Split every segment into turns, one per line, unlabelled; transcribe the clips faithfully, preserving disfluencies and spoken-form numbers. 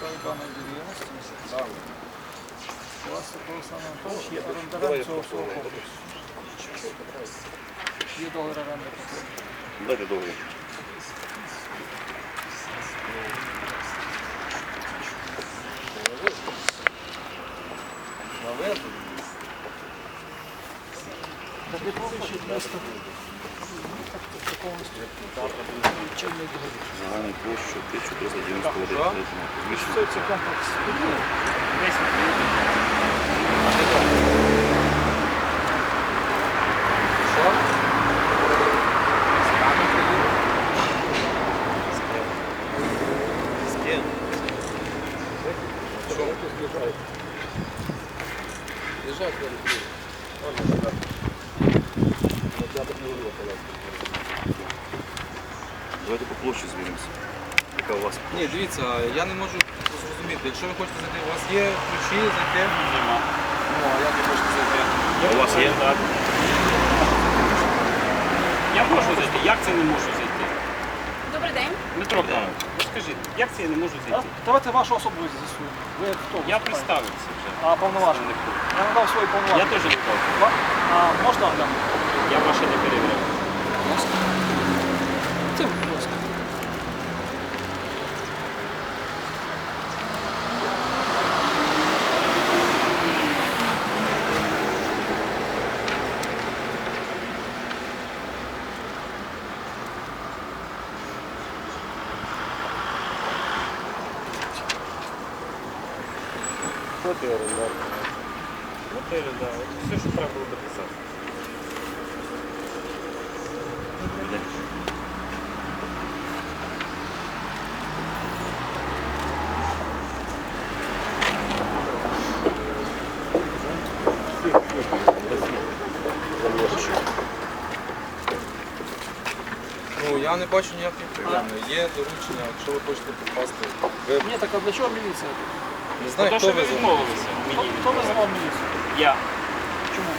даної довіреності. У вас такого самого Анатолійович є орендарем цього всього комплексу. Є договір оренди.
Дайте договір.
Так не повищить місто.
Загальну площу тисяча триста дев'яносто один.
Що це комплекс?
Давайте по площі звіримося. Яка у вас?
Ні, дивіться, я не можу зрозуміти. Якщо ви хочете зайти, у вас є ключі, зайти? Нема. Ну, а як ви хочете зайти?
У вас є? Так.
Я можу зайти. Як це не можу зайти?
Добрий день.
Дмитро Павлович, ви скажіть, як це я не можу зайти?
Давайте вашу особу з'ясуємо. Ви хто?
Я представився вже.
А повноважений? Я надав свої
Я
повноваження.
теж не кажу.
А можна глянути?
Я ваше не перевіряв.
Це, будь ласка.
Хто ти орендар? Ну ти орендар. Все, що треба було дописати.
Ну, я не бачу ніяких проблем. Є доручення, якщо ви хочете попасти. Ви
Ні, так а для чого міліція?
не знаю,
Тому
хто
що ви
ви за
відмовилися
Хто,
мені.
хто визвав міліцію?
Я.
Чому?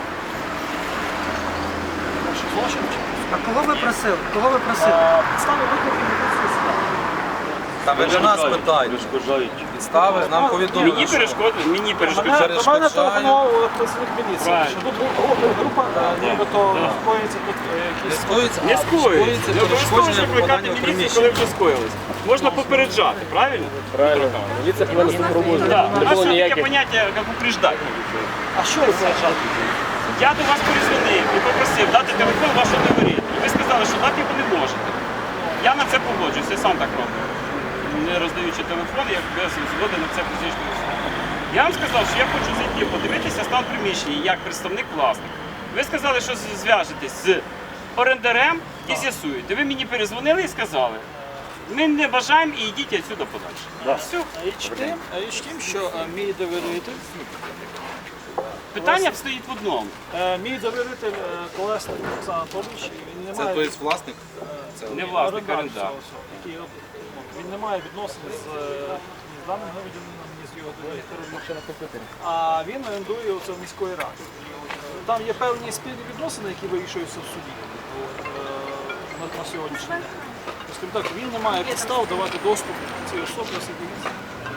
Що, злочин чи?
А кого ви просили? Кого ви просили?
А, підстави виклики міліції сюди.
Та ви до нас питаєте.
Розкажають.
Підстави нам повідомили.
Мені
що-
перешкодили, мені
Мене,
перешкодили.
до мене
перешкоджає.
телефонував працівник міліції,
Правильно.
що тут група, група е, нібито
Да.
скоїться тут е,
Не
якісь...
скоїться,
Не
а
скоїться. Не обов'язково
перешкодження
ж викликати
попадання в
міліцію,
приміщення.
коли вже скоїлись. Можна попереджати, правильно?
Правильно. Міліція повинна супроводжувати.
Так.
Не
У нас
було
є таке
ніяких.
поняття, як упреждати.
А що ви вважаєте?
Я до вас перезвонив і попросив дати телефон вашого говорити. І ви сказали, що дати його не можете. Я на це погоджуюсь, я сам так роблю. Не роздаючи телефон, як без згоди на це фізичної особи. Я вам сказав, що я хочу зайти, подивитися стан приміщення як представник власника. Ви сказали, що з- зв'яжетесь з орендарем і з'ясуєте. Ви мені перезвонили і сказали, ми не бажаємо і йдіть відсюди подальше. Все.
Річ тим, річ тим, що е, мій довіритель,
Питання стоїть в одному.
е, мій довіритель е, Колесник Олександр Анатолійович, він не
Це
має...
тобто власник? Це
Не власник,
орендар
орендар.
цього всього, який робить. Він не має відносин з, е, ні з даним громадянином, ні з його довірителем. А він орендує оце в міської ради. Там є певні спільні відносини, які вирішуються в суді е, на, на сьогоднішній день. Скажімо так, він не має підстав давати доступ цій особі, оскільки він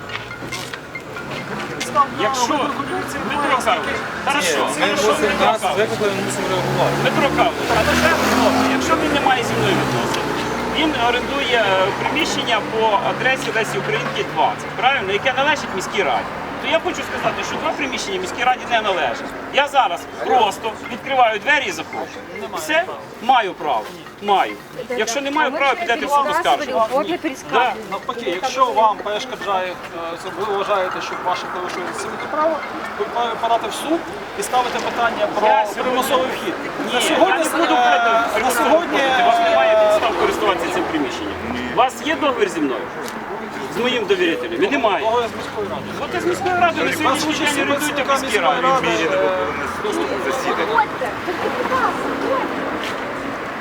підстав на
Якщо
виклику поліції
Дмитро
немає.
Карлович, хорошо,
Ми
хорошо,
мусимо
Дмитро
нас
Карлович.
викликали, ми мусимо реагувати.
Дмитро Карлович, але ще хлопці, якщо він не має зі мною відносин, він орендує е, приміщення по адресі Лесі Українки двадцять, правильно, яке належить міській раді. То я хочу сказати, що два приміщення міській раді не належать. Я зараз просто відкриваю двері і заходжу. Все? Маю право. Маю. Якщо не маю права, підете в суд оскаржувати.
Угодно пересказывать.
Навпаки, якщо вам перешкоджає, е, це ви вважаєте, що ваше порушує цивільне право, ви маєте подати в суд і ставити питання про
Я сьогодні-
примусовий вхід.
Ні,
На сьогодні,
я не буду
е,
проти
на
примусового
сьогодні
входити. У вас немає
е,
підстав користуватися цим приміщенням. У вас є договір зі мною? З моїм довірителем? І немає.
договір з міською радою.
От із міської ради на сьогоднішній
участі
день орендуєте в
працівника
міській
міської
раді.
ради, е,
Уходьте, только, будь ласка, уходьте.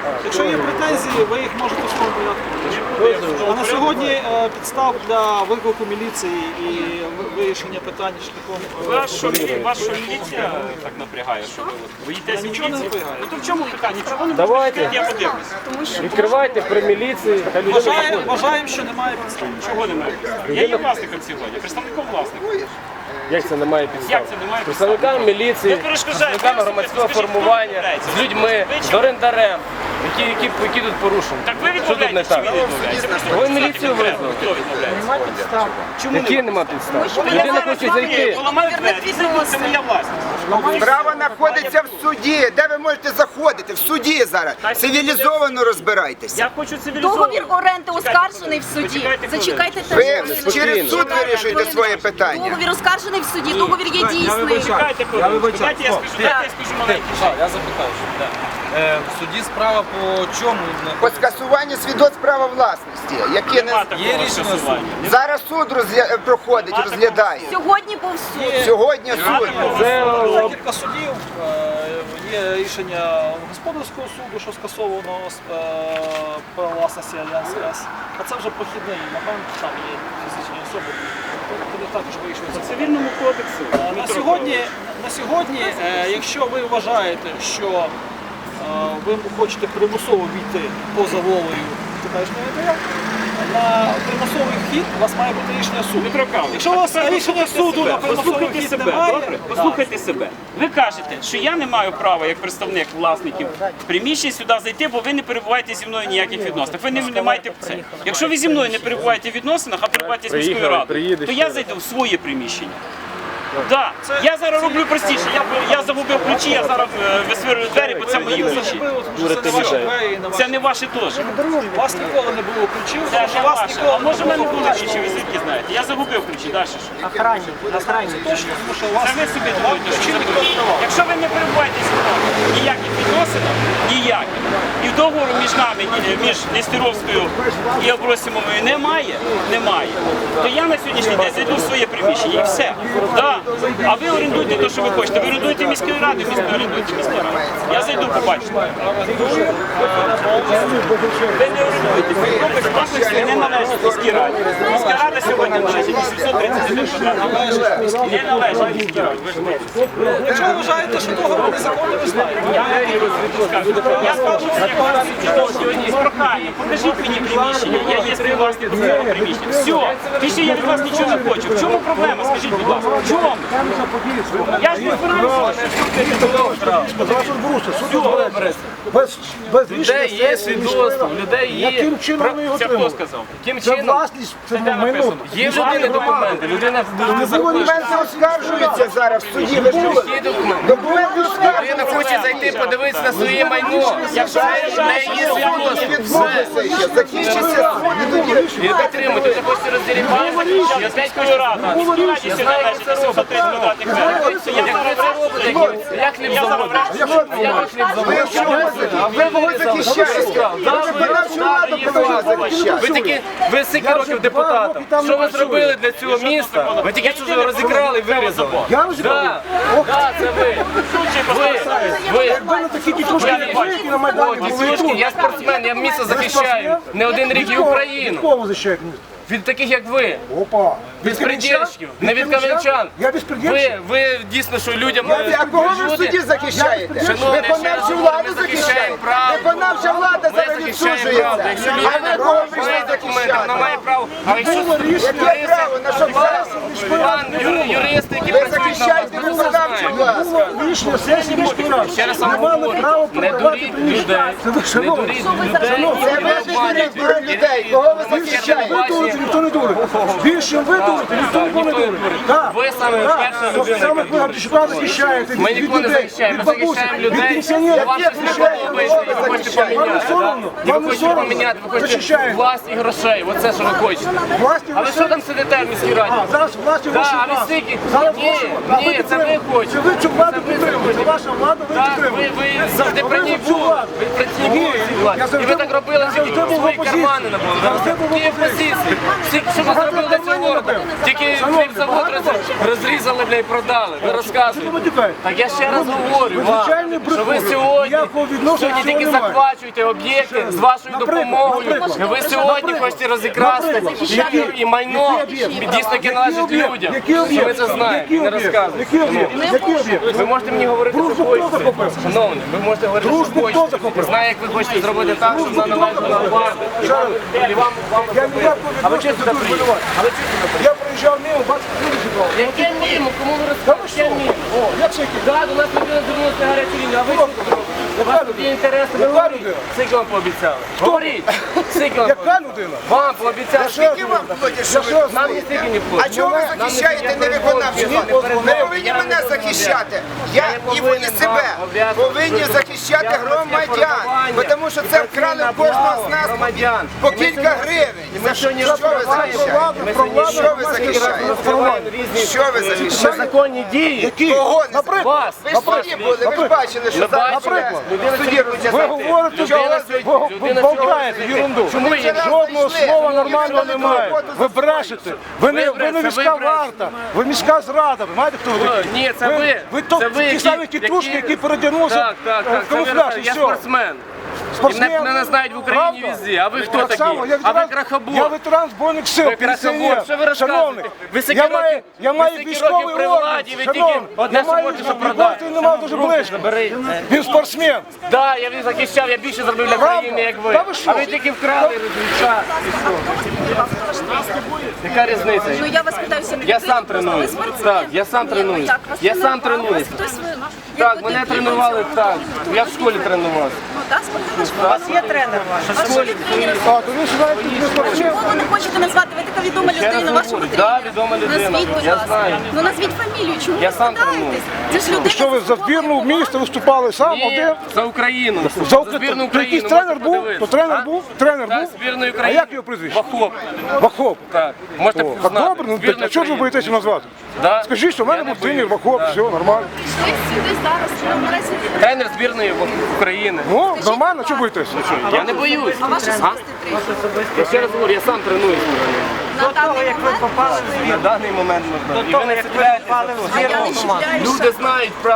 Якщо є претензії, ви їх можете в своєму порядку вирішити. А на сьогодні е, підстав для виклику міліції і ви- вирішення питань шляхом е,
Ваша мілі- ваша міліція так напрягає, що ви от боїтесь
Я нічого не
міліції.
напрягаю.
Ну то в чому питання? Чого не
Давайте.
можете? Я подивлюсь.
Відкривайте при міліції, та людина
Вважає-
заходить.
Вважаємо, що немає підстав.
Чого немає? Я є власником сьогодні, представником власника.
Як це немає підстав?
Як це немає
З представниками міліції,
Ви
з
перешкоджаєте.
представниками
Ви
громадського
скажіть, хто
формування,
відмовляється?
з людьми,
Ви
з
чому?
орендарем, які, які, які тут порушені.
Так ви
Що тут не
відмовляєтесь чи
так?
він відмовляється? Просто
Ви
представте
міліцію
конкретно,
визвали.
Хто відмовляється?
Немає підстав.
Чому
Які нема підстав? Людина хоче зайти.
Поламають двері, це моя власність.
Справа знаходиться в суді. Де ви можете заходити? В суді зараз. Цивілізовано розбирайтеся.
Я хочу цивілізовано.
Договір оренди оскаржений в суді.
Почекайте хвилинку.
Зачекайте
Ви
теж.
через суд вирішуєте своє питання.
Договір оскаржений в суді, договір є дійсний.
Чекайте хвилинку. Дайте я скажу, дайте я скажу маленький.
Так, я запитаю, що да. Е, в суді справа по чому?
По скасуванню свідоцтв права власності, яке
Нема
не
такого
Є рішення
скасування.
зараз суд розгля- проходить, розглядає.
Сьогодні був суд.
Сьогодні суд.
Це
Декілька судів, е, є рішення господарського суду, що скасовано е, право власності Альянс С. А це вже прохідний момент, там є фізичні особи, вони також вирішуються.
В цивільному кодексі.
Е, На сьогодні, на сьогодні, е, якщо ви вважаєте, що е, ви хочете примусово війти поза волею теперішнього ВТР, на примусовий вхід у вас має бути рішення суду.
Дмитро Карлович,
Якщо у вас
тепер
рішення
послухайте
суду
себе,
на примусовий
послухайте
вхід
себе,
немає,
добре? Послухайте себе. Ви кажете, що я не маю права як представник власників приміщень сюди зайти, бо ви не перебуваєте зі мною в ніяких відносинах. Ви не, не маєте це. Якщо ви зі мною не перебуваєте в відносинах, а перебуваєте з міською
Приїхали,
радою,
приїдеш
то
ще
я
раз.
зайду в своє приміщення. Да. Я зараз роблю простіше. Я, я загубив ключі, я зараз е, висверлю двері, бо це мої ключі.
Це не ваші двері і не
Це
ваші.
не ваші теж.
У вас ніколи не було ключів,
Це
тому що
не
вас
ваше.
ніколи
А може в мене
було
були ключі, ви звідки знаєте? Я загубив ключі, далі що?
Охранник, охранник.
точно, тому що у вас
Це ви собі
вам
думаєте, що
ключі ніхто
заберуть.
не давав.
Якщо ви не перебуваєте зі мною в ніяких відносинах, ніяких, і договору між нами, ні- між Нестеровською і Абросимовою немає, немає, то я на сьогоднішній день зайду в своє приміщення і все. Да. А ви орендуєте те, що ви хочете. Ви орендуєте міської ради, місто орендуєте міської ради. Я зайду, побачу. Ви не орендуєте. Цей комплекс власності не належить міській раді. Міська рада сьогодні належить вісімсот тридцять один квадратних. Не належить міській раді. Ви ж бачите.
Якщо ви вважаєте, що договор незаконний, ви знаєте.
Я Я скажу, як власник сьогодні з проханням. Покажіть мені приміщення. Я є співвласником цього приміщення. Все. Більше я від вас нічого не хочу. В чому проблема? Скажіть, будь ласка. В чому? Я ж не збираюся.
Без, без
людей
рішення
є
сесії
свідоцтво, в людей є.
Яким чином ви його
Це хто
отримали?
сказав?
Яким
Це
чином?
власність, це
Де
майно.
написано?
Є в людини документи, людина не заходить.
Документи оскаржуються зараз в суді. Ви чули?
Які документи?
Документи
Людина
оскаржуються.
хоче зайти, подивитися на своє майно. Якщо в неї є свідоцтво,
Відмовилися ще. Закінчиться суд і тоді.
ви підтримуєте, ви хочете розділіпати.
Я з міської ради. Міській раді сьогодні належить вісімсот тридцять квадратних метрів. То я зараз вражу.
Як хліб
Я зараз
заводить?
вражу.
Як хліб
Ви
заводить?
що ви захищаєте? Ви кого захищаєте? Ви виконавчу владу повинні захищати.
Ви такі, ви скільки років депутатом? Що ви зробили для цього міста? Ви тільки що його розікрали і вирізали.
Я розібрав.
Да, да, це ви. Ви, ви.
Якби не такі тітушки,
Я не
як ви, які на Майдані
О,
були
дідушки,
тут.
я спортсмен, я місто захищаю. Не один рік і Україну.
Від кого захищають місто?
Від таких, як ви.
Опа.
Безпредельщиків, не від кам'янчан.
Я безпредельщик?
Ви, ви дійсно, що людям...
А кого ви в суді захищаєте?
Шановні,
Виконавчу
ще
владу
ми захищаємо
захищаєте?
правду.
Виконавча влада
Ми
зараз
захищаємо правду.
відсуджується.
Якщо
А
людина
ви кого прийшли
має документи, вона має
захищати?
право. А якщо
Яке право? На що зараз?
пан ю- юристи, які
Ви
працюють на вас,
захищаєте
вони все
виконавчу
знають.
владу.
Рішення сесії міської ради.
Ще раз вам
Не мали
говорю,
права
не
продавати
дуріть
приміщення.
людей,
Це ви,
не
шановні.
дуріть людей,
Це
і
ви ж дурите дурите людей. Кого ви захищаєте?
Ви дурите, ніхто не дурить. Більше ви дурите, ніхто нікого не дурить. Так.
Ви саме
Так.
перша людина,
Саме
яка
ви Гаврищука захищаєте від
Ми
від
нікого не
людей,
захищаємо,
від
ми
бабусі,
захищаємо
від
людей.
пенсіонерів.
Вам щось не подобається, і ви хочете
Вам не
поміняти.
соромно?
І ви
Вам не
хочете
соромно?
поміняти, ви хочете
Захищаєте.
власть і грошей. Оце, що ви хочете.
Власні
А ви що там сидите в міській раді?
А, зараз власні
Да,
гроші
а ви
власні.
стільки?
Зараз
Ні,
гроші. А
ні,
ви
це ви
підтримуєте.
хочете.
Це ви цю владу
Це ви
підтримуєте. Це
хочете.
ваша влада, ви
Так, ви,
підтримуєте.
ви завжди при ній
цю
були.
владу.
Ви при ній були цій владі.
Я
І
завжди
ви так
був-
робили,
я
тільки
завжди був в
свої
опозиції.
кармани набули.
Завжди був в
Які
опозиції.
позиції? Всі, що ви зробили для цього города? Тільки хлібзавод роз- розрізали, бля, і продали. Ви розказуєте. Так я ще раз говорю вам,
Звичайний
що ви
брехун.
сьогодні,
Ніякого відношення
сьогодні
цього
тільки
немає.
захвачуєте об'єкти з вашою
Наприклад,
допомогою.
наприклад.
Ви сьогодні хочете розікрасти
Наприклад.
і-
Які?
і майно,
Які об'єкти?
дійсно, яке належить
об'єкт?
людям.
Який
Що
об'єкт?
ви це знаєте,
Який
не
об'єкт?
розказуєте.
Який об'єкт? Який об'єкт?
Ви можете мені говорити,
Дружбу
що
хто
хочете.
захопив?
Шановні, ви можете говорити, що
Дружбу хто
хочете.
захопив?
Знаю, як ви хочете зробити так, щоб вона належала на вас. І вам, і вам, вам
Я ніякого
А ви
відношення
чого
до
сюди
тут
приїхали? А ви чого сюди приїхали?
Я проїжджав мимо, бачите, люди зібрали.
Яке мімо? Кому ви розказуєте? Яке мімо?
О, як це який?
Так, до нас людина звернулася на гарячу лінію, а ви що тут робите? У вас тут є інтереси, ви
Яка
говоріть.
людина?
Скільки вам пообіцяли? Говоріть. Скільки вам
Яка
пообіцяли?
людина?
Вам пообіцяли.
Скільки вам платять, що ви
Нам не
голосуєте?
стільки не
А
платять.
чого ви
Нам не
захищаєте
стільки
невиконавчу
я
владу?
не передаю,
Ви повинні
я не
мене
виконавчу
захищати.
владу.
Я
Я не
і ви і
повинен
себе
вам обов'язати
повинні
щось
захищати
робити.
громадян,
Працівне
тому що це вкрали в кожного з нас
громадян.
по
І ми
кілька
сьогодні-
гривень.
І ми
За
сьогодні
що ви
розкриваємо.
захищаєте?
Ми сьогодні
Що ви захищаєте?
розкриваємо різні
Що ви захищаєте?
незаконні дії.
Які?
Кого не
Наприклад,
Вас.
Ви ж в суді були, ви ж бачили, що
Ми
зараз
бачимо. Людина
в суді
сьогодні
ручаться.
Ви говорите,
Людина
ви,
сьогодні-
ви
людина
болтаєте
сьогодні-
ерунду.
Чому
Ми
є?
вчора
Жодного
зайшли,
слова
ми
нормального
їздили
немає.
роботу
Ви
за
брешете. Ви не,
Ви
ви не
брешете,
міська
ви брешете.
варта, ви міська зрада. Ви знаєте, хто ви
Ой,
такі?
ні, це ви.
Ви то,
Це ви,
ті
які-
самі тітушки,
які-
які передягнулися
Так, так, так.
в
Це ви
камуфляж і
розказуєте. Я
все.
спортсмен. І мене, мене знають в Україні
Правда?
везде. А ви хто
Так
такі?
само, я
А ви
ветеран-
крахобор.
Я ветеран Збройних сил,
Ви крахобор.
пенсіонер.
Що ви розказуєте?
Шановний,
Ви скільки
я маю,
років-
я
ви
маю
скільки
військовий
років при
орден.
владі, ви тільки
Шановний,
одне
я маю
суботу, що
роботи
продати.
немає дуже близько.
Забери.
Він спортсмен.
Так, я він захищав, я більше зробив для
Правда?
країни, як ви.
Та ви що?
А ви тільки вкрали час. Яка різниця?
Ну я вас питаю, всі
Я сам тренуюсь. Так, я сам тренуюсь. Я сам тренуюсь.
Хтось ви
Так, мене тренували так. Я в школі тренувався.
Ну так, спортивна школа. У вас є тренер ваш.
В школі.
А, то ви знаєте, ви спортсмен.
Чого ви не хочете назвати? Ви така відома
Ще раз
людина, вашого
говорю,
тренера.
да, відома людина.
Назвіть, будь
Я
ласка.
знаю.
Ну назвіть фамілію, чому
Я
ви
сам
складаєтесь?
треную.
Це ж людина.
Що ви за збірну в місті виступали сам один?
Ні, за Україну.
За
За
Україну.
збірну
То
Україну.
якийсь тренер
можете
був?
подивитися.
То тренер
А?
був? Тренер
Так,
був?
збірної
А
України.
як його прізвище?
Вахоп.
Вахоп.
Так, можете
О,
знати.
так добре, ну
Збірної
так, а чого ж ви
України.
боїтеся назвати?
Да.
Скажіть, що в мене
Я не
був тренер
боюсь.
Вахоп,
Да.
все нормально.
Ви сюди зараз, ну, наразі.
Тренер збірної України.
Ну, нормально, чого боїтеся?
Я не боюсь.
А ваш
А?
особистий тренер?
Я ще раз говорю, я сам тренуюсь.
На даний момент?
На даний момент можна. І ви не
А я не чіпляюся.
Люди знають правду.